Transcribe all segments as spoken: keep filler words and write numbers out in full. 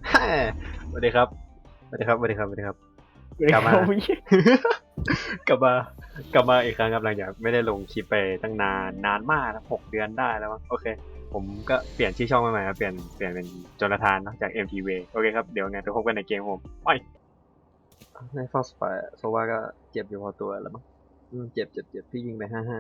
สวัสดีครับสวัสดีครับสวัสดีครับสวัสดีครับกลับมากลับมากลับมาอีกครั้งครับหลังจากไม่ได้ลงคลิปไปตั้งนานนานมากนะหกเดือนได้แล้วมั้งโอเคผมก็เปลี่ยนชื่อช่องมาใหม่ครับเปลี่ยนเปลี่ยนเป็นโจนาธานเนาะจาก เอ็ม ที วี โอเคครับเดี๋ยวไงไปพบกันในเกมผมไปในฟอสไฟโซว่าก็เจ็บอยู่พอตัวแล้วมั้งเจ็บเจ็บเจ็บพี่ยิงไปห้าห้า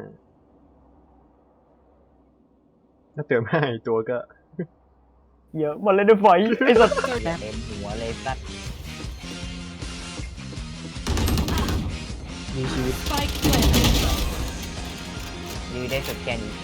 ถ้าเติมห้าอีกตัวก็เยอะหมดเลยด้วยไฟไอ้สัตว์เต็มหัวเลยสัตว์มีชีวิตยืดได้สุดแค่นี้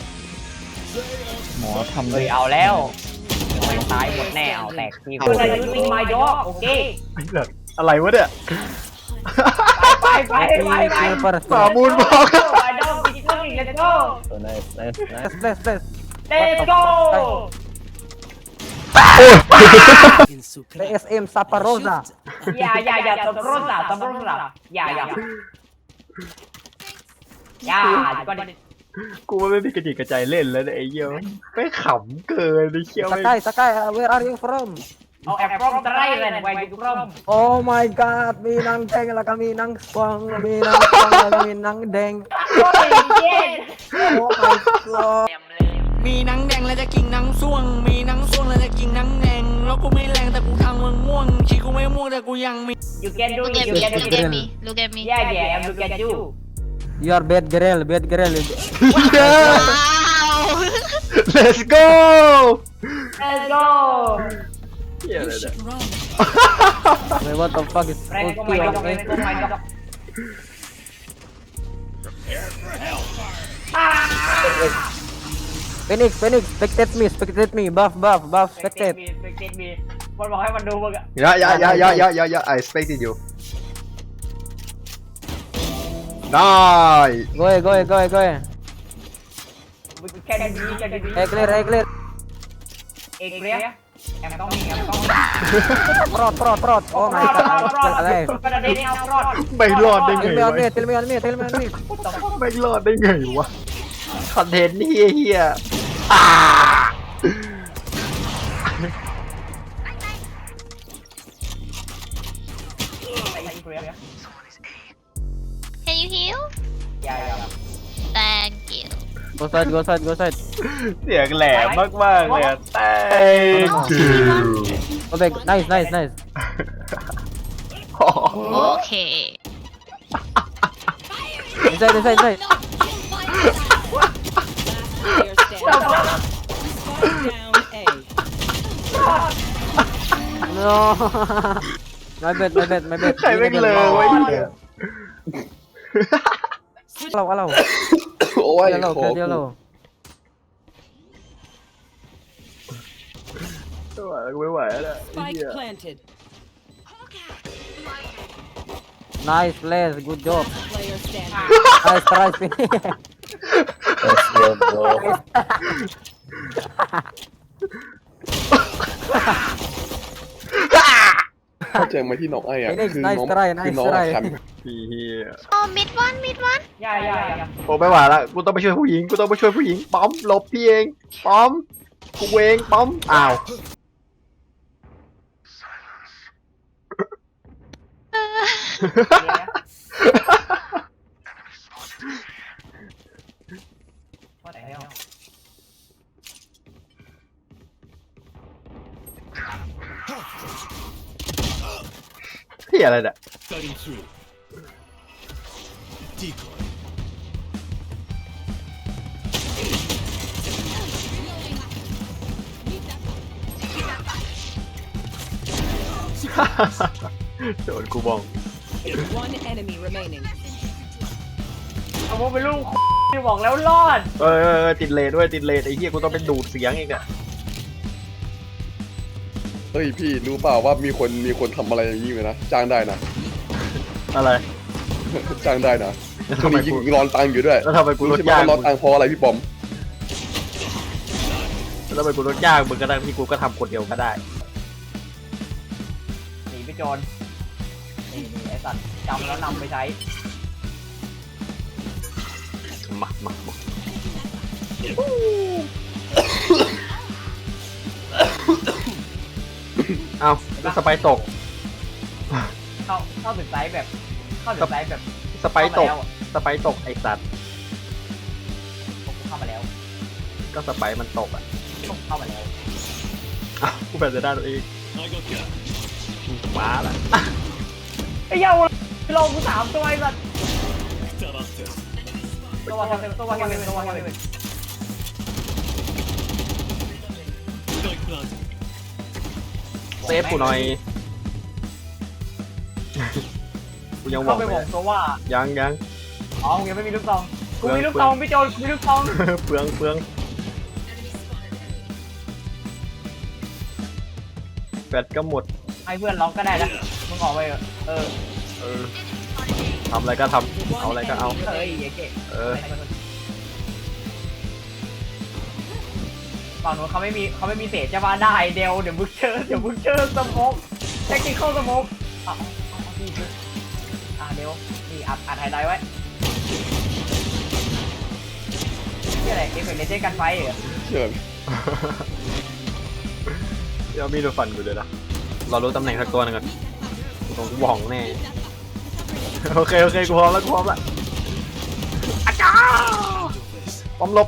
หมอทำเลยเอาแล้วตายหมดแน่เอาแตกที่หัวอะไรยูซิงไมด์ด็อกโอเคอะไรวะเนี่ยไปไปไปไปไปฝ่ามูลบอกไมด์ด็อกดิจิทัลเลตโก้ nice nice nice let's let's let's go เอสเอ็มซาปาโรซาอย่าอย่าอย่าตบโรซาตบโรซาอย่าอย่าอย่าก่อนกูไม่มีกระจิกกระใจเล่นแล้วไอ้เหี้ยไม่ขำเกินไอ้เหี้ยสกายสกาย where are you from เอาแอปพร้อมตะไรเลยนะไว้ดูพร้อม oh my god มีนางแดงแล้วก็มีนางสว่างมีนางสว่างแล้วก็มีนางแดง oh my god มีหนังแดงแล้วจะกินหนังส่วงมีหนังส่วงแล้วจะกินหนังแดงแล้วกูไม่แรงแต่กูทางมึงง่วงขี้กูไม่ม่วงแต่กูยังมี you can do Look it at you me, can do look at it me, look at me. yeah yeah I'm look at you you are bad girl bad girl Wow! let's go let's go เหี้ยอะไรเนี่ย wait what the fuck is Frank oh my god Frank oh my god Phoenix Phoenix spectate me spectate me buff buff buff spectate spectate me มันบอกให้มันดูมึงอะ yeah yeah yeah yeah yeah yeah yeah I expected you nice go ahead go ahead go ahead go ahead can you be can you be hey clear hey clear เอกเรียแอมต้องมีแอมต้องมี prot prot prot oh my god I'm still alive ประเด็นนี้เอารอดไม่รอดได้ไง tell me วะ on me tell me on me tell me on me ไม่รอดได้ไงวะคอนเทนต์เฮียเฮียอ่า Can you heal? อย่าอย่า Thank you. go side go side go side เสียงแหลมมากๆเลยอะ thank you go back nice nice nice Okay. inside inside inside no my bad my bad my bad ใครแม่งเลยวะเนี่ยเราเราโอ้ยเดี๋ยวเราขอเดี๋ยวเราไม่ไหวแล้วไอ้เหี้ย planted. nice place good job Player standing. nice try let's go bro เข้าใจไหมที่น้องไอ้อะคือน้องคือน้องอะคันพี่เฮีย Oh, mid one, mid one. อย่าอย่าอย่าโอ้ไม่ไหวละกูต้องไปช่วยผู้หญิงกูต้องไปช่วยผู้หญิงป้อมหลบพี่เองป้อมกูเองป้อมอ้าวเฮียอะไรเนี่ย โดนกูบอง One enemy remaining. เอาโมเป็นลูกที่บอกแล้วรอดเออติดเลนด้วยติดเลนไอ้เหี้ยกูต้องเป็นดูดเสียงอีกเนี่ยเฮ้ยพี่รู้เปล่าว่ามีคนมีคนทำอะไรอย่างนี้เลยนะจ้างได้นะอะไรจ้างได้นะแล้วคทำนไมนี้ยิงกูร้อนตังค์อยู่ด้วยแล้วทำไมกูลรู้ดใช่ไหมยากว่าร้อนตังค์เพราะอะไรพี่ปอมแล้วทำไมกูลดยากมึงก็ได้พี่กูก็ทำคนเดียวก็ได้หนีไปโจรนี่นี่ไอ้สัตว์จำแล้วนำไปใช้มามามาเอ้าแล้วสไปร์ตกเข้าเข้าถึงไซส์แบบเข้าถึงไซส์แบบสไปร์ตกเข้ามาแล้วสไปร์ตกไอสัตว์ผมเข้ามาแล้วก็สไปร์มันตกอ่ะผมเข้ามาแล้วอ้าวกูแบบจะได้ตัวเองมาละไอ้เหี้ยลงกูสามตัวไอ้สัสตัวแคมเป็นตัวแคมเป็นตัวแคมเป็นเซฟกูหน่อย กูยังหวัเข้าง ไปไม่บอกได้ตัวว่ายังยังอ๋อมึงยังไม่มีลูกซองกูมีลูกซองพี่โจกูมีลูกซองเปลืองเปลืองแบตก็หมดให้เพื่อนล็อกก็ได้นะมึงออกไปเถอะเออเออทำอะไรก็ทำเอาอะไรก็เอาเฮ้ยไอ้เก๋เออฝั่งนู้นเขาไม่มีเขาไม่มีเศษจะมาได้เดวเดี๋ยวมึงเจอเดี๋ยวมึงเจอสโมกแท็กติคอลสโมกอ่ะเอาเอาพี่คืออ่ะเดวนี่อัดอัดไฮไลท์ไว้นี่อะไรเอฟเฟกต์เลเจนด์กันไฟเหรอเชิญเดี๋ยวมีดูฟันกูเลยนะเรารู้ตำแหน่งสักตัวหนึงก่อนตรงหว่องแน่ โอเคโอเคกูพร้อมแล้วกูพร้อมแล้วอาจารย์พร้อมลบ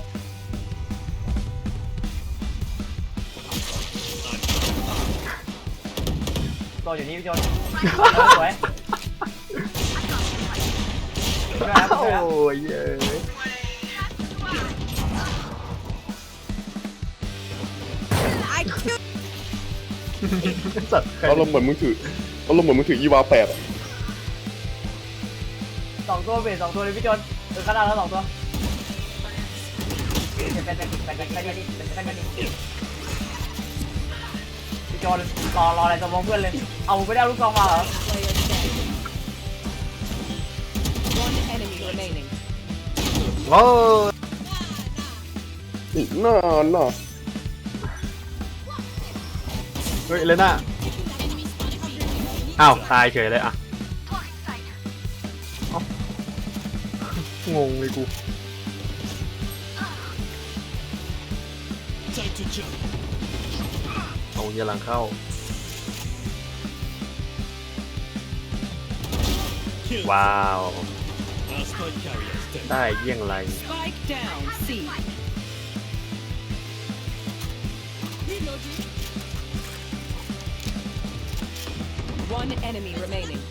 ตัวอยู่นี่พี่โจนสวยช่วยครับโอ้ช่วยครับยเย้ยสัตว์ใครเอาลมณ์เหมือนมึงถือเอาลมณ์เหมือนมึงถืออีวาแปดอะสองตัวเบสสองตัวเลยพี่โจนเออขนาดแล้วสองตัวเป็นเป็นเป็นเป็นเป็นเป็นเป็นเป็นเป็นพี่โจนรอรออะไรจะมองเพื่อนเลยเอาไม่ได้เอาลูกซองมาเหรอ One enemy remaining. โอ้ยอีกนานน่ะเฮ้ยเลน่าอ้าวตายเฉยเลยอ่ะเอ้างงเลยกูเอาเยี่ยหลังเข้าว้าวได้เยี่ยงไร Spike down. C. One enemy remaining.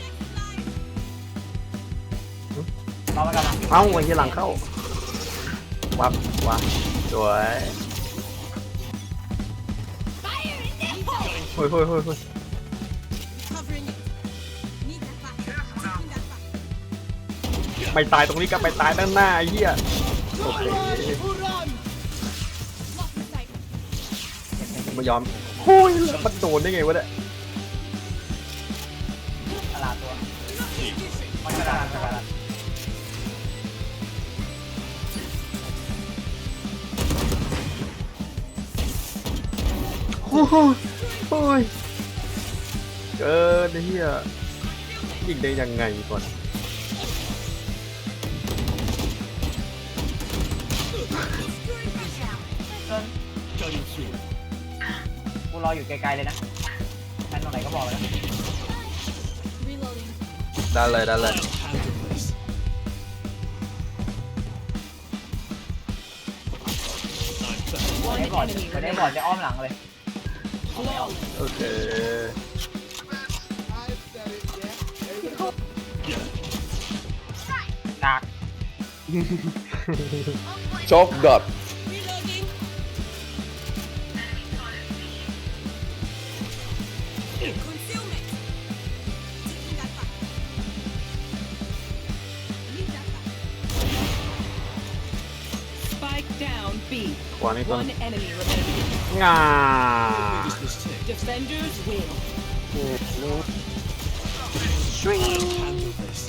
รอมากันนะเอ้าไอ้เหี้ยหลังเข้า วับวับสวยเฮ้ยเฮ้ยเฮ้ยเฮ้ยไม่ตายตรงนี้ก็ไปตายด้านหน้าไอ้เหี้ยโอเคไม่ยอมโอ้ยแล้วมันโดนได้ไงวะเนี่ยตลาดตัวมันกระดานกระดานโอ้โหโอ้ยเกินไอ้เหี้ยยิงได้ยังไงก่อนกูรออยู่ไกลๆเลยนะแทนตรงไหนก็บอกเลยนะได้เลยได้เลยไม่ได้ One บอด enemy ไม่ได้ remaining. บอดจะอ้อมหลังเลยโอเคหนักช็อกดัด Spike down. B. วางนี่ต้น One enemy remaining. งา Defenders win.